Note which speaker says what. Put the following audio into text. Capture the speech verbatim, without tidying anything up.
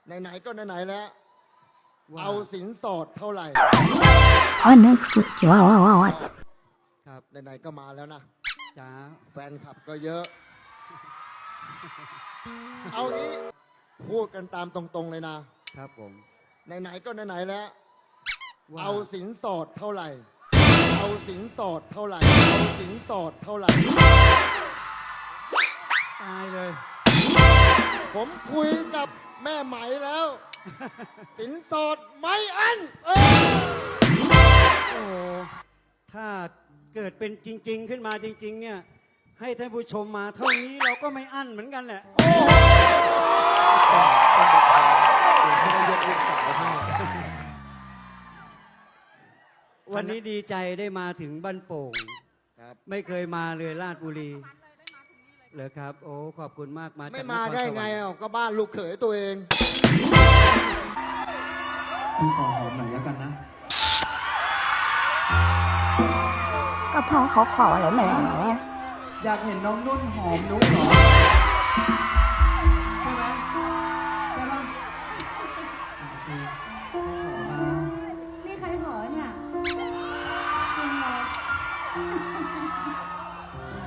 Speaker 1: ไหนๆก็ไหนๆแล้วเอาสินสอดเท่าไหร่
Speaker 2: อ๋อนึกสุดยอด
Speaker 1: ครับไหนๆก็มาแล้วนะ
Speaker 3: จ้า
Speaker 1: แฟนคลับก็เยอะ เอางี้พูดกันตามตรงๆเลยนะครับ
Speaker 3: ผม
Speaker 1: ไหนๆก็ไหนๆแล้ว
Speaker 3: ว่า
Speaker 1: เอาสินสอดเท่าไหร่ เอาสินสอดเท่าไหร่เอาสินสอดเท่าไหร่
Speaker 3: ตายเลย
Speaker 1: ผมคุยกับแม่ไหมแล้ว สินสอดไม่อันเออ
Speaker 3: โอ้โหถ้าเกิดเป็นจริง ๆ ขึ้นมาจริง ๆ เนี่ย ให้ท่านผู้ชมมาเท่านี้เราก็ไม่อั้นเหมือนกันแหละ
Speaker 1: ไม่ได้ยกลูกสาวให้
Speaker 3: วันนี้ดีใจได้มาถึงบ้านโป่ง
Speaker 1: ครับ
Speaker 3: ไม่เคยมาเลยราชบุรีเหรอครับ โอ้ขอบคุณมากมาจาก
Speaker 1: ไม่มาได้
Speaker 3: นครสวรรค์
Speaker 1: ไงอ่ะก็บ้านลูกเขยตัวเอง
Speaker 4: พี่ขอหอมหน่อยแล้วกันนะ
Speaker 2: ก็พอเขาขอแล้วแหม
Speaker 4: อยากเห็นน้องนุ่นหอมนุ๊กเหรอ ใช่ไหมใช่ปะโอเคขอมา
Speaker 5: นี่ใครขอเนี่ยจริงเหรอ